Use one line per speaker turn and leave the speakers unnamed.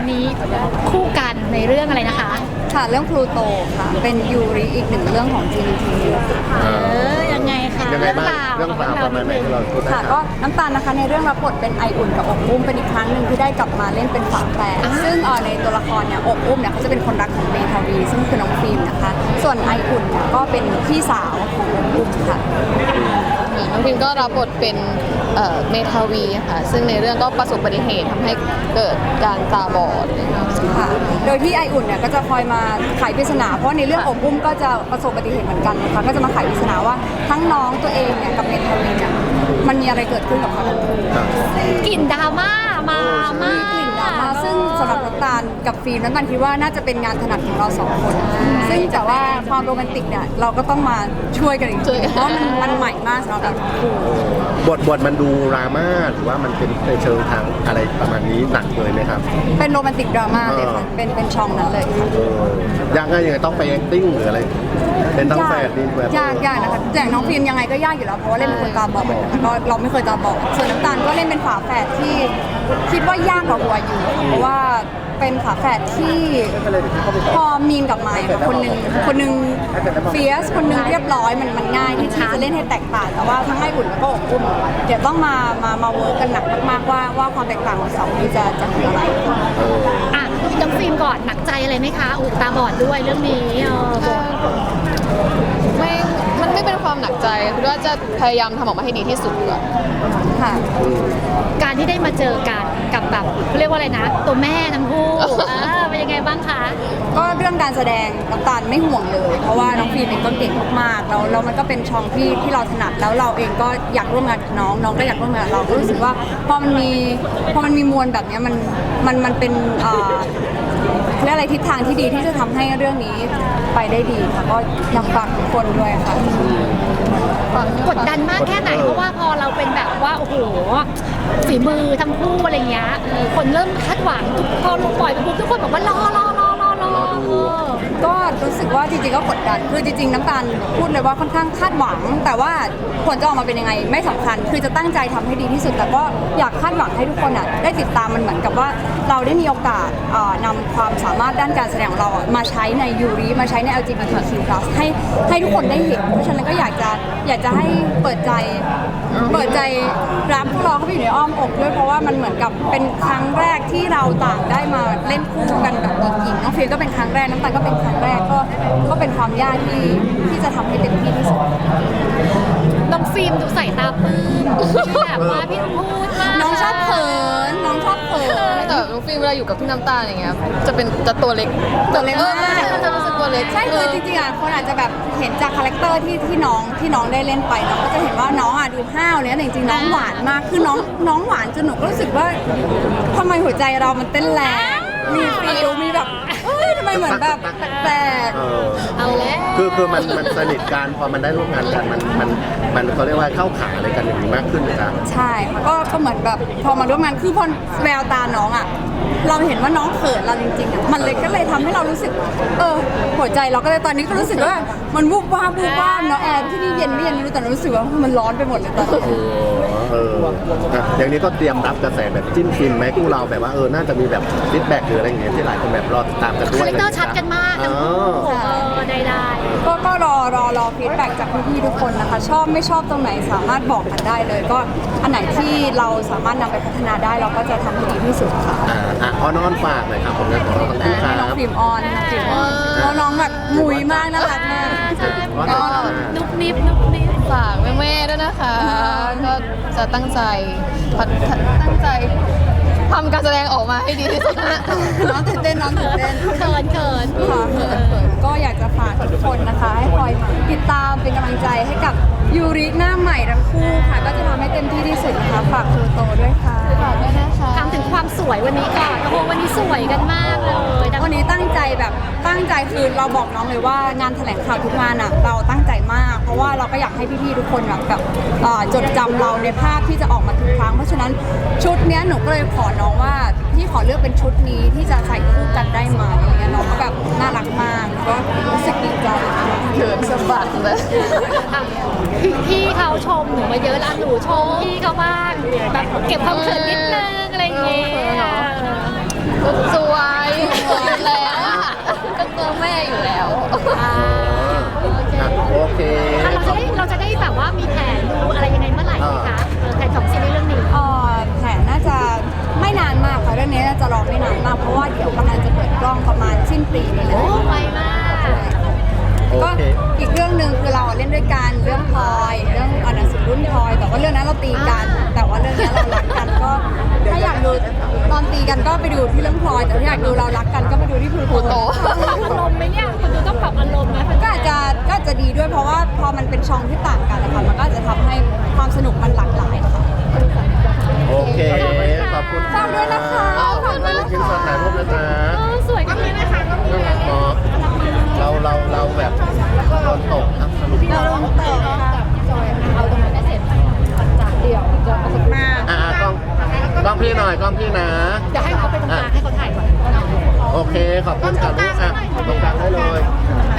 วันนี้คู่กันในเรื่องอะไรนะคะ
ค่ะเรื่องพลูโตค่ะเป็นยูริอีกหนึ่งเรื่องของ GMTV
ยังไงคะ
ยังไงบ้างเรื่องราวประมาณไหนที่เราพูดได้
ค่ะก็น้ำตาลนะคะในเรื่องรับบทเป็นไออุ่นกับอบอุ้มเป็นอีกครั้งหนึ่งที่ได้กลับมาเล่นเป็นฝาแฝดซึ่งในตัวละครเนี่ยอบอุ้มเนี่ยเขาจะเป็นคนรักของเมทาวีซึ่งคือน้องฟิล์มนะคะส่วนไออุ่นเนี่ยก็เป็นพี่สาวของอบอุ้มค่ะ
น้องพิมก็รับบทเป็นเมทาวีค่ะซึ่งในเรื่องก็ประสบอุบัติเหตุทำให้เกิดการตาบอด
ค่ะโดยที่ไออุ่นเนี่ยก็จะคอยมาไขปริศนาเพราะในเรื่องอบอุ้มก็จะประสบอุบัติเหตุเหมือนกันนะคะก็จะมาไขปริศนาว่าทั้งน้องตัวเองเนี่ยกับเมทาวีเนี่ยมันมีอะไรเกิดขึ้นกับเขาทั้งคู่
กลิ่นดราม่ามามาก
กลิ่นดราม่าซึ่งสำหรับน้ำตาลกับฟิล์มน้ำตาลคิดว่าน่าจะเป็นงานถนัดของเราสองคนซึ่งแต่ว่าความโรแมนติกเนี่ยเราก็ต้องมาช่วยกันอีกทีเพราะมันใหม่มากสำหรับเราทั้งคู่
บทมันดูดราม่าหรือว่ามันเป็นในเชิงทางอะไรประมาณนี้หนักเลยไหมครับ
เป็นโรแมนติกดราม่าเลยค่ะเป็นช่องนั้นเลยค่ะ
ยากยังไงต้องไป acting หรืออะไรเป็นทั้งแฝดนี่แบบ
ยากนะคะแต่น้องฟิล์มยังไงก็ยากอยู่แล้วเพราะว่าเล่นเป็นคนตาบอดแล้วก็เราไม่เคยตาบอดส่วนน้ำตาลก็เล่นเป็นฝาแฝดที่คิดว่ายากกว่าหัวอยู่เพราะว่าเป็นฝาแฝดที่พอมีนกับไมค์คนหนึ่งเฟียสคนหนึ่งเรียบร้อยมันง่ายที่จะเล่นให้แตกต่างแต่ว่าทั้งไออุ่นแล้วก็อบอุ่นเดี๋ยวต้องมาเวิร์กกันหนักมากๆว่าความแตกต่างของสองนี้จะคืออะไร
อ่ะน้องฟิล์มก่อนหนักใจอะไรไหมคะตาบอดด้วยเรื่องนี้
มันไม่เป็นความหนักใจคือว่าจะพยายามทำออกมาให้ดีที่สุด
ค่ะ
การที่ได้มาเจอกันกับแบบเรียกว่าอะไรนะตัวแม่ทั้งคู่เป็นยังไงบ้างคะ
ก็เรื่องการแสดงน้ำตาลไม่ห่วงเลยเพราะว่าน้องฟิล์มเองก็เก่งมากๆแล้วมันก็เป็นช่องที่เราถนัดแล้วเราเองก็อยากร่วมงานกับน้องก็อยากร่วมงานกับเราก็รู้สึกว่าพอมันมีมวลแบบนี้มันเป็นเรื่องอะไรทิศทางที่ดีที่จะทำให้เรื่องนี้ไปได้ดีค่ะก็อยากฝากทุกคนด้วยค่ะ
กดดันมากแค่ไหนเพราะว่าพอเราเป็นแบบว่าโอ้โหฝีมือทั้งคู่อะไรเงี้ยคนเริ่มคาดหวังพอลงปล่อยไปปุ๊บทุกคนบอกว่ารอ
ก็รู้สึกว่าจริงๆก็กดดันคือจริงๆน้ำตาลพูดเลยว่าค่อนข้างคาดหวังแต่ว่าผลจะออกมาเป็นยังไงไม่สำคัญคือจะตั้งใจทำให้ดีที่สุดแต่ก็อยากคาดหวังให้ทุกคนได้ติดตามมันเหมือนกับว่าเราได้มีโอกาสนำความสามารถด้านการแสดงของเรามาใช้ในยูริมาใช้ใน LGBTQ+ ให้ทุกคนได้เห็นเพราะฉะนั้นก็อยากจะให้เปิดใจรับพวกเราเข้าไปอยู่ในอ้อมอกด้วยเพราะว่ามันเหมือนกับเป็นครั้งแรกที่เราต่างได้มาเล่นคู่กันแบบหญิงน้องฟิลก็เป็นครั้งแรกน้ำตาลก็เป็นครั้งแรกก็เป็นความยากที่จะทำให้เต็มที่ที่สุด
น้องฟิล์มดูใส่ตาปลื้มแบบว่าพี่พูดมาก
น้องชอบเขิน
แต่น้องฟิล์มเวลาอยู่กับพี่น้ำตาลอย่างเงี้ยจะตัวเล็ก
มาก
จะรู้สึกตัวเล็ก
ใช่คือจริงๆคนอาจจะแบบเห็นจากคาแรคเตอร์ที่น้องได้เล่นไปเราก็จะเห็นว่าน้องดูห้าวเนี่ยแต่จริงๆน้องหวานมากคือน้องหวานจนหนูก็รู้สึกว่าทำไมหัวใจเรามันเต้นแรงมีฟีลมีแบบทำไมเหมือนแบบแปลก
เอาแล้ว
คือมันสนิทกันพอมันได้ร่วมงานกันมันเขาเรียกว่าเข้าขาอะไรกันอย่างนี้มากขึ้นเลยครับ
ใช่ก็เหมือนแบบพอมาร่วมงานคือพอแววตาน้องเราเห็นว่าน้องเขินเราจริงๆมันเลยก็เลยทำให้เรารู้สึกหัวใจเราก็เลยตอนนี้ก็รู้สึกว่ามันวูบวาบเนาะแอร์ที่นี่เย็นไม่เย็นไม่รู้แต่รู้สึกว่ามันร้อนไปหมดเลยตอนนี้
อย่างนี้ก็เตรียมรับกระแสแบบจิ้นฟินไหมคู่เราแบบว่าน่าจะมีแบบฟีดแบ็กหรืออะไรอย่างเงี้ยที่หลายคนแบบรอติดตามกันด้วย
คาแรคเตอร์ชัดกันมากทั้งคู่ได้
ก็รอฟีดแบ็กจากพี่ๆทุกคนนะคะชอบไม่ชอบตรงไหนสามารถบอกกันได้เลยก็อันไหนที่เราสามารถนำไปพัฒนาได้เราก็จะทำให้ดีที่สุดค่ะ
อ้อนฝากหน่อยครับผมจะขอทั้งคู่ครับ
น้องฟิล์มออนน้องแบบมุยมากน่ารักมาก
ก็นุบนิบ
ฝากแม่ๆด้วยนะคะก็จะตั้งใจทำการแสดงออกมาให้ดีที่สุด
น้องตื่นเต้น
เขิน
ก็อยากจะฝากทุกคนนะคะให้คอยติดตามเป็นกำลังใจให้กับยูริหน้าใหม่ทั้งคู่ค่ะก็จะทำให้เต็มที่ที่สุดนะคะฝากครูโตด้วยค่ะ
ฝากด้วยนะคะ
ถามถึงความสวยวันนี้ก่อนโอ้โหวันนี้สวยกันมากเลย
วันนี้ตั้งใจคือเราบอกน้องเลยว่างานแถลงข่าวทุกงานเราตั้งใจมากเพราะว่าเราก็อยากให้พี่ๆทุกคนแบบจดจำเราในภาพที่จะออกมาทุกครั้งเพราะฉะนั้นชุดนี้หนูก็เลยขอน้องว่าพี่ขอเลือกเป็นชุดนี้ที่จะใส่คู่กันได้ไหมอะไรเงี้ยน้องก็แบบน่ารักมากก็รู้สึกดีใจ
เขินสะบัดเลย
พี่เขาชมหนูมาเยอะแล้วหนูชมพี่เขาบ้างแบบเก็บความเขินนิดนึงอะไรอย่างเงี้ย
สวย
นี้จะรอไม่นานมากเพราะว่าเดี๋ยวกำลังจะเปิดกล้องประมาณสิ้นปีนี้แหละ
โอ้ไวมาก
ก็อีกเรื่องหนึ่งคือเราเล่นด้วยกันเรื่องพลอยเรื่องหนังสือรุ่นพลอยแต่ว่าเรื่องนั้นเราตีกัน แต่ว่าเรื่องนี้เรารักกันก็ถ้าอยากดูตอนตีกันก็ไปดูที่เรื่องพลอยแต่ถ้าอยากดูเรารักกันก็ไปดูที่พลูโต
อารมณ์ไหมเนี่ยคุณดูต้องปรับอารมณ์ไหม
ก็อาจจะดีด้วยเพราะว่าพอมันเป็นช่องที่ต่างกันนะคะมันก็อาจจะทำให้ความสนุกมันหลากหลายค่ะ
โอเคขอบคุณ
ฝากด้วยนะคะฝากด้วยนะ
กิน
คะ
สดถ่ายรูปนะจ๊ะ
สวยกันเลยนะคะก็มี
น่ารักเนาะเราแบบโดนตกครับสรุป
เราลงต่อค่ะ
เอาตรงนั้นให้เสร็จจากเดี๋ยวจะประสบ
มา
กล้องพี่หน่อยกล้องพี่นะ
เดี๋ยวให้เขาไปตรงกลางให้เขาถ่ายก่อน
โอเคขอบคุณค่ะลูกตรงกลางได้เลย
เ